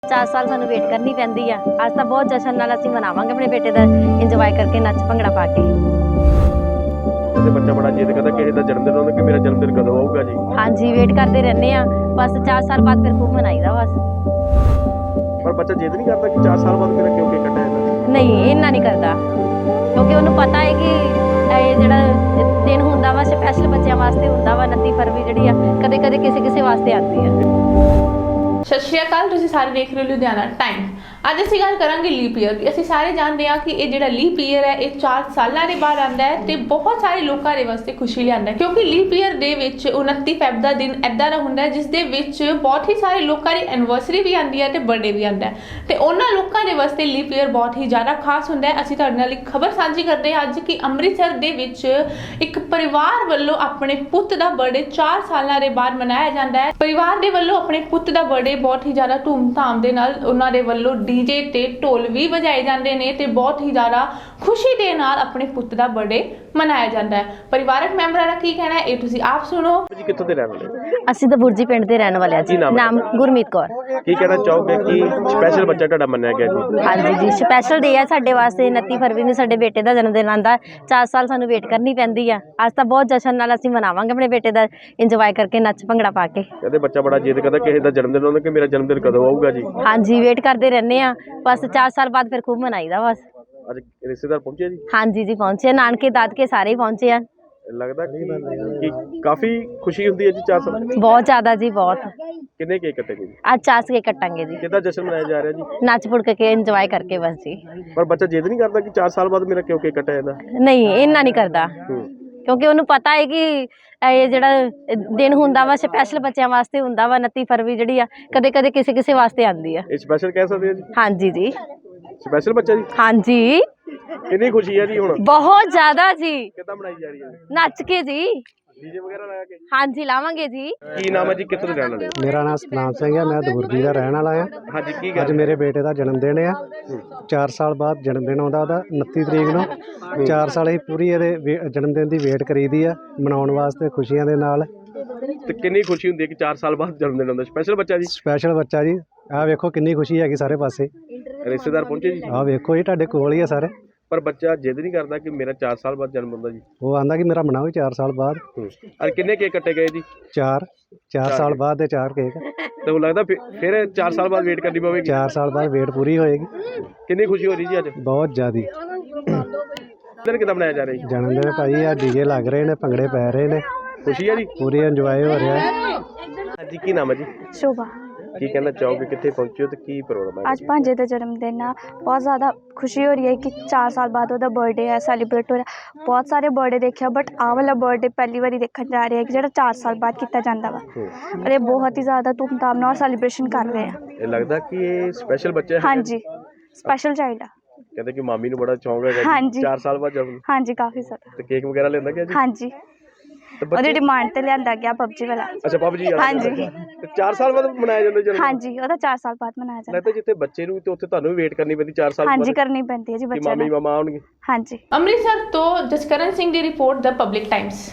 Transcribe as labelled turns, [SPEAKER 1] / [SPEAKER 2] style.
[SPEAKER 1] 4 ਸਾਲ ਸਾਨੂੰ ਵੇਟ ਕਰਨੀ ਪੈਂਦੀ ਆ। ਅੱਜ ਤਾਂ ਬਹੁਤ ਜਸ਼ਨ ਨਾਲ ਅਸੀਂ ਮਨਾਵਾਂਗੇ ਆਪਣੇ ਬੇਟੇ ਦਾ ਇੰਜੋਏ ਕਰਕੇ ਨੱਚ ਭੰਗੜਾ ਪਾ ਕੇ।
[SPEAKER 2] ਤੇ ਬੱਚਾ ਬੜਾ ਜਿੱਦ ਕਰਦਾ ਕਿਸੇ ਦਾ ਜਨਮ ਦਿਨ ਆਉਂਦਾ ਕਿ ਮੇਰਾ ਜਨਮ ਦਿਨ ਕਦੋਂ ਆਊਗਾ ਜੀ।
[SPEAKER 1] ਹਾਂਜੀ ਵੇਟ ਕਰਦੇ ਰਹਿੰਦੇ ਆ, ਬਸ 4 ਸਾਲ ਬਾਅਦ ਫਿਰ ਖੂਬ ਮਨਾਈਦਾ ਬਸ।
[SPEAKER 2] ਪਰ ਬੱਚਾ ਜਿੱਦ ਨਹੀਂ ਕਰਦਾ ਕਿ 4 ਸਾਲ ਬਾਅਦ ਮੇਰਾ ਕਿਉਂ ਕੇਕ ਕੱਟਿਆ ਜਾਂਦਾ।
[SPEAKER 1] ਨਹੀਂ ਇੰਨਾ ਨਹੀਂ ਕਰਦਾ, ਕਿਉਂਕਿ ਉਹਨੂੰ ਪਤਾ ਹੈ ਕਿ ਇਹ ਜਿਹੜਾ ਦਿਨ ਹੁੰਦਾ ਵਾ ਸਪੈਸ਼ਲ ਬੱਚਿਆਂ ਵਾਸਤੇ ਹੁੰਦਾ ਵਾ। 29 ਫਰਵਰੀ ਜਿਹੜੀ ਆ ਕਦੇ ਕਦੇ ਕਿਸੇ ਵਾਸਤੇ ਆਉਂਦੀ ਆ।
[SPEAKER 3] ਸਤਿ ਸ਼੍ਰੀ ਅਕਾਲ, ਤੁਸੀਂ ਸਾਰੇ ਦੇਖ ਰਹੇ ਹੋ ਲੁਧਿਆਣਾ ਟਾਈਮ। ਅੱਜ ਅਸੀਂ ਗੱਲ ਕਰਾਂਗੇ ਲੀਪ ਈਅਰ ਦੀ। ਅਸੀਂ ਸਾਰੇ ਜਾਣਦੇ ਹਾਂ ਕਿ ਇਹ ਜਿਹੜਾ ਲੀਪ ਈਅਰ ਹੈ ਇਹ 4 ਸਾਲਾਂ ਦੇ ਬਾਅਦ ਆਉਂਦਾ ਹੈ ਤੇ ਬਹੁਤ ਸਾਰੇ ਲੋਕਾਂ ਦੇ ਵਾਸਤੇ ਖੁਸ਼ੀ ਲਿਆਉਂਦਾ ਹੈ, ਕਿਉਂਕਿ ਲੀਪ ਈਅਰ ਦੇ ਵਿੱਚ 29 ਫੈਬ ਦਾ ਦਿਨ ਇੱਦਾਂ ਦਾ ਹੁੰਦਾ ਹੈ ਜਿਸ ਦੇ ਵਿੱਚ ਬਹੁਤ ਹੀ ਸਾਰੇ ਲੋਕਾਂ ਦੀ ਐਨੀਵਰਸਰੀ ਵੀ ਆਉਂਦੀ ਹੈ ਤੇ ਬਰਥਡੇ ਵੀ ਆਉਂਦਾ ਹੈ ਤੇ ਉਹਨਾਂ ਲੋਕਾਂ ਦੇ ਵਾਸਤੇ ਲੀਪ ਈਅਰ ਬਹੁਤ ਹੀ ਜ਼ਿਆਦਾ ਖਾਸ ਹੁੰਦਾ ਹੈ। ਅਸੀਂ ਤੁਹਾਡੇ ਨਾਲ ਇੱਕ ਖਬਰ ਸਾਂਝੀ ਕਰਦੇ ਹਾਂ ਅੱਜ ਕਿ ਅੰਮ੍ਰਿਤਸਰ ਦੇ ਵਿੱਚ ਇੱਕ ਪਰਿਵਾਰ ਵੱਲੋਂ ਆਪਣੇ ਪੁੱਤ ਦਾ ਬਰਥਡੇ 4 ਸਾਲਾਂ ਦੇ ਬਾਅਦ ਮਨਾਇਆ ਜਾਂਦਾ ਹੈ। ਪਰਿਵਾਰ ਦੇ ਵੱਲੋਂ ਆਪਣੇ ਪੁੱਤ ਦਾ ਬਰਥਡੇ ਬਹੁਤ ਹੀ ਜ਼ਿਆਦਾ ਧੂਮਧਾਮ ਦੇ ਨਾਲ ਉਹਨਾਂ ਦੇ ਵੱਲੋਂ ਡੀਜੇ ਤੇ ਢੋਲ ਵੀ ਵਜਾਏ ਜਾਂਦੇ ਨੇ ਤੇ ਬਹੁਤ ਹੀ ਜ਼ਿਆਦਾ ਖੁਸ਼ੀ ਦੇ ਨਾਲ ਆਪਣੇ ਪੁੱਤ ਦਾ ਬਰਥਡੇ ਮਨਾਇਆ ਜਾਂਦਾ ਹੈ। ਪਰਿਵਾਰਕ ਮੈਂਬਰਾਂ ਦਾ ਕੀ ਕਹਿਣਾ ਹੈ ਇਹ ਤੁਸੀਂ ਆਪ ਸੁਣੋ।
[SPEAKER 2] ਜੀ ਕਿੱਥੋਂ ਦੇ ਰਹਿਣ ਵਾਲੇ?
[SPEAKER 1] ਅਸੀਂ ਤਾਂ ਬੁਰਜੀ ਪਿੰਡ ਦੇ ਰਹਿਣ ਵਾਲੇ ਆ ਜੀ। ਨਾਮ ਗੁਰਮੀਤ ਕੌਰ।
[SPEAKER 2] ਕੀ ਕਹਿਣਾ ਚਾਹੋਗੇ ਕਿ ਸਪੈਸ਼ਲ ਬੱਚਾ ਤੁਹਾਡਾ ਮੰਨਿਆ ਗਿਆ ਜੀ?
[SPEAKER 1] ਹਾਂਜੀ ਜੀ, ਸਪੈਸ਼ਲ ਡੇ ਆ ਸਾਡੇ ਵਾਸਤੇ। 29 ਫਰਵਰੀ ਨੂੰ ਸਾਡੇ ਬੇਟੇ ਦਾ ਜਨਮ ਦਿਨ ਆਉਂਦਾ। 4 ਸਾਲ ਸਾਨੂੰ ਵੇਟ ਕਰਨੀ ਪੈਂਦੀ ਆ। ਅੱਜ ਤਾਂ ਬਹੁਤ ਜਸ਼ਨ ਨਾਲ ਅਸੀਂ ਮਨਾਵਾਂਗੇ ਆਪਣੇ ਬੇਟੇ ਦਾ ਇੰਜੋਏ ਕਰਕੇ ਨੱਚ ਭੰਗੜਾ ਪਾ ਕੇ।
[SPEAKER 2] ਕਹਿੰਦੇ ਬੱਚਾ ਬੜਾ ਜਿੱਦ ਕਰਦਾ ਕਿਸੇ ਦਾ ਜਨਮ ਦਿਨ ਆਉਂਦਾ ਕਿ ਮੇਰਾ ਜਨਮ ਦਿਨ ਕਦੋਂ ਆਊਗਾ ਜੀ।
[SPEAKER 1] ਹਾਂਜੀ ਵੇਟ ਕਰਦੇ ਰਹਿੰਦੇ ਆ, ਬਸ 4 ਸਾਲ ਬਾਅਦ ਫਿਰ ਖੂਬ ਮਨਾਈਦਾ ਬਸ।
[SPEAKER 2] ਅੱਜ ਰਿਸ਼ਤੇਦਾਰ ਪਹੁੰਚੇ ਜੀ?
[SPEAKER 1] ਹਾਂਜੀ ਜੀ ਪਹੁੰਚੇ, ਨਾਨਕੇ ਦਾਦਕੇ ਸਾਰੇ ਹੀ ਪਹੁੰਚੇ ਆ।
[SPEAKER 2] ਲੱਗਦਾ ਕਿ ਕਾਫੀ ਖੁਸ਼ੀ ਹੁੰਦੀ ਹੈ ਜੀ 4 ਸਾਲ।
[SPEAKER 1] ਬਹੁਤ ਜ਼ਿਆਦਾ ਜੀ, ਬਹੁਤ।
[SPEAKER 2] ਕਿੰਨੇ ਕੇਕ ਕੱਟੇ ਗਏ ਜੀ?
[SPEAKER 1] ਅੱਜ 4 ਕੇਕ ਕੱਟਾਂਗੇ ਜੀ,
[SPEAKER 2] ਕਿੱਦਾਂ ਜਸ਼ਨ ਮਨਾਇਆ ਜਾ ਰਿਹਾ ਜੀ?
[SPEAKER 1] ਨੱਚ ਪੁੜ ਕੇ ਇੰਜੋਏ ਕਰਕੇ ਬਸ ਜੀ।
[SPEAKER 2] ਪਰ ਬੱਚਾ ਜਿੱਦ ਨਹੀਂ ਕਰਦਾ ਕਿ 4 ਸਾਲ ਬਾਅਦ ਮੇਰਾ ਕਿਉਂ ਕੇਕ ਕੱਟਿਆ ਜਾਂਦਾ।
[SPEAKER 1] ਨਹੀਂ ਇੰਨਾ ਨਹੀਂ ਕਰਦਾ, ਕਿਉਂਕਿ ਉਹਨੂੰ ਪਤਾ ਹੈ ਕਿ ਇਹ ਜਿਹੜਾ ਦਿਨ ਹੁੰਦਾ ਵਾ ਸਪੈਸ਼ਲ ਬੱਚਿਆਂ ਵਾਸਤੇ ਹੁੰਦਾ ਵਾ। 29 ਫਰਵਰੀ ਜਿਹੜੀ ਆ ਕਦੇ ਕਦੇ ਕਿਸੇ ਵਾਸਤੇ ਆਉਂਦੀ ਆ।
[SPEAKER 2] ਇਹ ਸਪੈਸ਼ਲ ਕਹਿ ਸਕਦੇ ਹੋ ਜੀ?
[SPEAKER 1] ਹਾਂਜੀ ਜੀ,
[SPEAKER 2] ਸਪੈਸ਼ਲ ਬੱਚਾ ਜੀ।
[SPEAKER 1] ਹਾਂਜੀ
[SPEAKER 2] ਕਿੰਨੀ ਖੁਸ਼ੀ ਹੈ ਜੀ ਹੁਣ?
[SPEAKER 1] ਬਹੁਤ ਜ਼ਿਆਦਾ ਜੀ।
[SPEAKER 2] ਕਿੱਦਾਂ ਬਣਾਈ ਜਾ ਰਹੀ ਹੈ?
[SPEAKER 1] ਨੱਚ ਕੇ ਜੀ।
[SPEAKER 2] ਡੀਜੇ ਵਗੈਰਾ ਲਾ ਕੇ?
[SPEAKER 1] ਹਾਂਜੀ ਲਾਵਾਂਗੇ ਜੀ।
[SPEAKER 2] ਕੀ ਨਾਮ ਹੈ ਜੀ, ਕਿੱਥੋਂ ਦੇ ਰਹਿਣ ਵਾਲੇ?
[SPEAKER 4] ਮੇਰਾ ਨਾਮ ਸਤਨਾਮ ਸਿੰਘ ਹੈ, ਮੈਂ ਦਬੁਰਜੀ ਦਾ ਰਹਿਣ ਵਾਲਾ ਹਾਂ।
[SPEAKER 2] ਹਾਂਜੀ ਕੀ
[SPEAKER 4] ਅੱਜ
[SPEAKER 2] ਗੱਲ?
[SPEAKER 4] ਮੇਰੇ ਬੇਟੇ ਦਾ ਜਨਮ ਦਿਨ ਆ। 4 ਸਾਲ ਬਾਅਦ ਜਨਮ ਦਿਨ ਆਉਂਦਾ ਉਹਦਾ 29 ਤਰੀਕ ਨੂੰ। 4 ਸਾਲ ਹੀ ਪੂਰੀ ਇਹਦੇ ਜਨਮ ਦਿਨ ਦੀ ਵੇਟ ਕਰੀਦੀ ਆ ਮਨਾਉਣ ਵਾਸਤੇ ਖੁਸ਼ੀਆਂ ਦੇ ਨਾਲ।
[SPEAKER 2] ਤੇ ਕਿੰਨੀ ਖੁਸ਼ੀ ਹੁੰਦੀ ਹੈ ਕਿ 4 ਸਾਲ ਬਾਅਦ ਜਨਮ ਦਿਨ ਆਉਂਦਾ? ਸਪੈਸ਼ਲ ਬੱਚਾ ਜੀ।
[SPEAKER 4] ਸਪੈਸ਼ਲ ਬੱਚਾ ਜੀ। ਆਹ ਵੇਖੋ ਕਿੰਨੀ ਖੁਸ਼ੀ ਹੈਗੀ ਸਾਰੇ ਪਾਸੇ।
[SPEAKER 2] ਰਿਸ਼ਤੇਦਾਰ ਪਹੁੰਚੇ ਜੀ?
[SPEAKER 4] ਆਹ ਵੇਖੋ ਜੀ ਤੁਹਾਡੇ ਕੋਲ ਹੀ ਆ ਸਾਰੇ।
[SPEAKER 2] ਪਰ ਬੱਚਾ ਜਿੱਦ ਨਹੀਂ ਕਰਦਾ ਕਿ ਮੇਰਾ 4 ਸਾਲ ਬਾਅਦ ਜਨਮ ਹੁੰਦਾ ਜੀ।
[SPEAKER 4] ਉਹ ਆਂਦਾ ਕਿ ਮੇਰਾ ਮਨਾਓ 4 ਸਾਲ ਬਾਅਦ।
[SPEAKER 2] ਅਰ ਕਿੰਨੇ ਕੇਕ ਕੱਟੇ ਗਏ ਜੀ?
[SPEAKER 4] 4 ਸਾਲ ਬਾਅਦ ਦੇ 4 ਕੇਕ।
[SPEAKER 2] ਤੇ ਉਹ ਲੱਗਦਾ ਫਿਰ 4 ਸਾਲ ਬਾਅਦ ਵੇਟ ਕਰਨੀ ਪਵੇਗੀ।
[SPEAKER 4] 4 ਸਾਲ ਬਾਅਦ ਵੇਟ ਪੂਰੀ ਹੋਏਗੀ।
[SPEAKER 2] ਕਿੰਨੀ ਖੁਸ਼ੀ ਹੋ ਰਹੀ ਜੀ ਅੱਜ?
[SPEAKER 4] ਬਹੁਤ ਜ਼ਿਆਦੀ।
[SPEAKER 2] ਦਿਨ ਕਿੱਦਾਂ ਮਨਾਇਆ ਜਾ ਰਿਹਾ ਜੀ?
[SPEAKER 4] ਜਨਮ ਦਿਨ ਭਾਈ ਆ ਡੀਜੇ ਲੱਗ ਰਹੇ ਨੇ, ਭੰਗੜੇ ਪੈ ਰਹੇ ਨੇ,
[SPEAKER 2] ਖੁਸ਼ੀ ਹੈ ਜੀ?
[SPEAKER 4] ਪੂਰੀ ਇੰਜੋਏ ਹੋ ਰਿਹਾ ਹੈ।
[SPEAKER 2] ਹਾਂਜੀ ਕੀ ਨਾਮ ਹੈ ਜੀ?
[SPEAKER 5] ਸ਼ੋਭਾ।
[SPEAKER 2] ਕੀ ਕਹਿਣਾ ਚਾਹੋਗੇ, ਕਿੱਥੇ ਪਹੁੰਚੇ ਹੋ ਤੇ ਕੀ ਪ੍ਰੋਗਰਾਮ ਹੈ?
[SPEAKER 5] ਅੱਜ ਭਾਂਜੇ ਦਾ ਜਨਮ ਦਿਨ ਆ। ਬਹੁਤ ਜ਼ਿਆਦਾ ਖੁਸ਼ੀ ਹੋ ਰਹੀ ਹੈ ਕਿ 4 ਸਾਲ ਬਾਅਦ ਉਹਦਾ ਬਰਥਡੇ ਹੈ, ਸੈਲੀਬ੍ਰੇਟ ਹੋ ਰਿਹਾ। ਬਹੁਤ ਸਾਰੇ ਬਰਥਡੇ ਦੇਖਿਆ ਬਟ ਆਹ ਵਾਲਾ ਬਰਥਡੇ ਪਹਿਲੀ ਵਾਰੀ ਦੇਖਣ ਜਾ ਰਹੇ ਹੈ ਕਿ ਜਿਹੜਾ 4 ਸਾਲ ਬਾਅਦ ਕੀਤਾ ਜਾਂਦਾ ਵਾ। ਔਰ ਇਹ ਬਹੁਤ ਹੀ ਜ਼ਿਆਦਾ ਧੂਮਧਾਮ ਨਾਲ ਸੈਲੀਬ੍ਰੇਸ਼ਨ ਕਰ ਰਹੇ ਆ।
[SPEAKER 2] ਇਹ ਲੱਗਦਾ ਕਿ ਇਹ ਸਪੈਸ਼ਲ ਬੱਚਾ ਹੈ?
[SPEAKER 5] ਹਾਂਜੀ ਸਪੈਸ਼ਲ ਚਾਈਲਡ ਆ।
[SPEAKER 2] ਕਹਿੰਦੇ ਕਿ ਮਾਮੀ ਨੂੰ ਬੜਾ ਸ਼ੌਂਕ ਹੈਗਾ
[SPEAKER 5] ਹਾਂਜੀ।
[SPEAKER 2] ਜੀ 4 ਸਾਲ ਬਾਅਦ ਜਨਮ।
[SPEAKER 5] ਹਾਂਜੀ ਕਾਫੀ ਜ਼ਿਆਦਾ।
[SPEAKER 2] ਤੇ ਕੇਕ ਵਗੈਰਾ ਲੈਂਦਾ ਗਿਆ ਜੀ?
[SPEAKER 5] ਹਾਂਜੀ ਉਹਦੀ ਡਿਮਾਂਡ ਤੇ ਲਿਆਂਦਾ ਗਿਆ ਪਬਜੀ ਵਾਲਾ।
[SPEAKER 2] ਅੱਛਾ ਪਬਜੀ ਵਾਲਾ।
[SPEAKER 5] ਹਾਂਜੀ।
[SPEAKER 2] ਤੇ 4 ਸਾਲ ਬਾਅਦ ਮਨਾਇਆ ਜਾਂਦਾ ਜਨਮ?
[SPEAKER 5] ਹਾਂਜੀ ਉਹਦਾ 4 ਸਾਲ ਬਾਅਦ ਮਨਾਇਆ ਜਾਂਦਾ।
[SPEAKER 2] ਲੱਗਦਾ ਜਿੱਥੇ ਬੱਚੇ ਨੂੰ ਤੇ ਉੱਥੇ ਤੁਹਾਨੂੰ ਵੀ ਵੇਟ ਕਰਨੀ ਪੈਂਦੀ 4 ਸਾਲ ਬਾਅਦ?
[SPEAKER 5] ਹਾਂਜੀ ਕਰਨੀ ਪੈਂਦੀ ਹੈ ਜੀ
[SPEAKER 2] ਕਿ
[SPEAKER 5] ਬੱਚਿਆਂ
[SPEAKER 2] ਮਾਮੀ
[SPEAKER 5] ਨੂੰ।
[SPEAKER 2] ਮਾਮਾ ਆਉਣਗੇ?
[SPEAKER 5] ਹਾਂਜੀ।
[SPEAKER 3] ਅੰਮ੍ਰਿਤਸਰ ਤੋਂ ਜਸਕਰਨ ਸਿੰਘ ਦੀ ਰਿਪੋਰਟ ਦ ਪਬਲਿਕ ਟਾਈਮਸ।